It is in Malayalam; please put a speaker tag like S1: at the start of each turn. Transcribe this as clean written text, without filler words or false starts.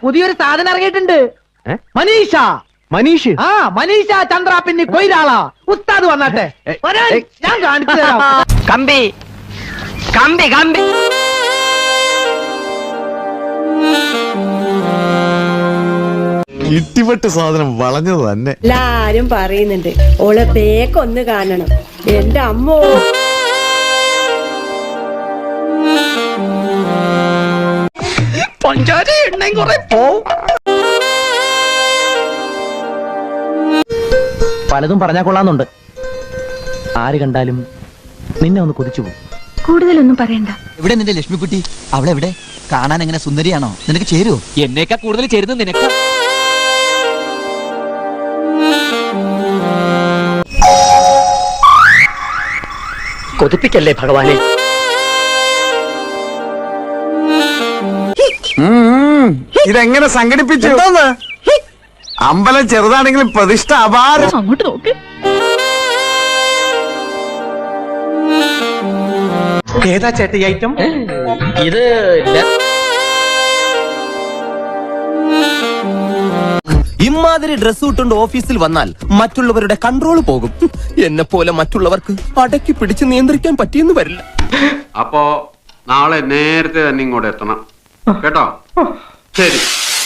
S1: പുതിയൊരു സാധനം ഇറങ്ങിയിട്ടുണ്ട്. മനീഷ.
S2: മനീഷ്?
S1: ആ, മനീഷ ചന്ദ്ര പിന്നെ കൊയിലാള. ഉസ്താദ് വന്നാട്ടെ, ഞാൻ കാണിച്ചു തരാം.
S2: കമ്പി കമ്പി കമ്പി.
S3: ഇട്ടിപ്പെട്ട് സാധനം വളഞ്ഞത് തന്നെ.
S4: എല്ലാരും പറയുന്നുണ്ട് ഓളെ ബേക്കൊന്ന് കാണണം. എന്റെ അമ്മോ,
S2: പഞ്ചാര എണ്ണയും കുറെ പോവും.
S1: പലതും പറഞ്ഞാ കൊള്ളാന്നുണ്ട്. ആര് കണ്ടാലും നിന്നെ ഒന്ന് കൊതിച്ചു പോകും.
S5: കൂടുതലൊന്നും പറയണ്ട.
S6: എവിടെ നിന്റെ ലക്ഷ്മിക്കുട്ടി? അവളെവിടെ? കാണാൻ എങ്ങനെ സുന്ദരിയാണോ? നിനക്ക് ചേരുവോ?
S2: എന്നേക്കാ കൂടുതൽ ചേരുന്നത് നിനക്ക്. കൊതിപ്പിക്കല്ലേ ഭഗവാനെ.
S3: ഇതെങ്ങനെ സംഘടിപ്പിച്ചു? അമ്പലം ചെറുതാണെങ്കിലും പ്രതിഷ്ഠ അപാരം.
S5: അങ്ങോട്ട് നോക്ക്.
S2: ഏതാ ചേട്ടി ഐറ്റം? ഇത്
S7: ഇമാതിരി ഡ്രസ് ഇട്ടുകൊണ്ട് ഓഫീസിൽ വന്നാൽ മറ്റുള്ളവരുടെ കൺട്രോൾ പോകും. എന്നെ പോലെ മറ്റുള്ളവർക്ക് അടക്കി പിടിച്ച് നിയന്ത്രിക്കാൻ പറ്റിയെന്ന് വരില്ല.
S8: അപ്പോ നാളെ നേരത്തെ തന്നെ ഇങ്ങോട്ട് എത്തണം കേട്ടോ. ശരി.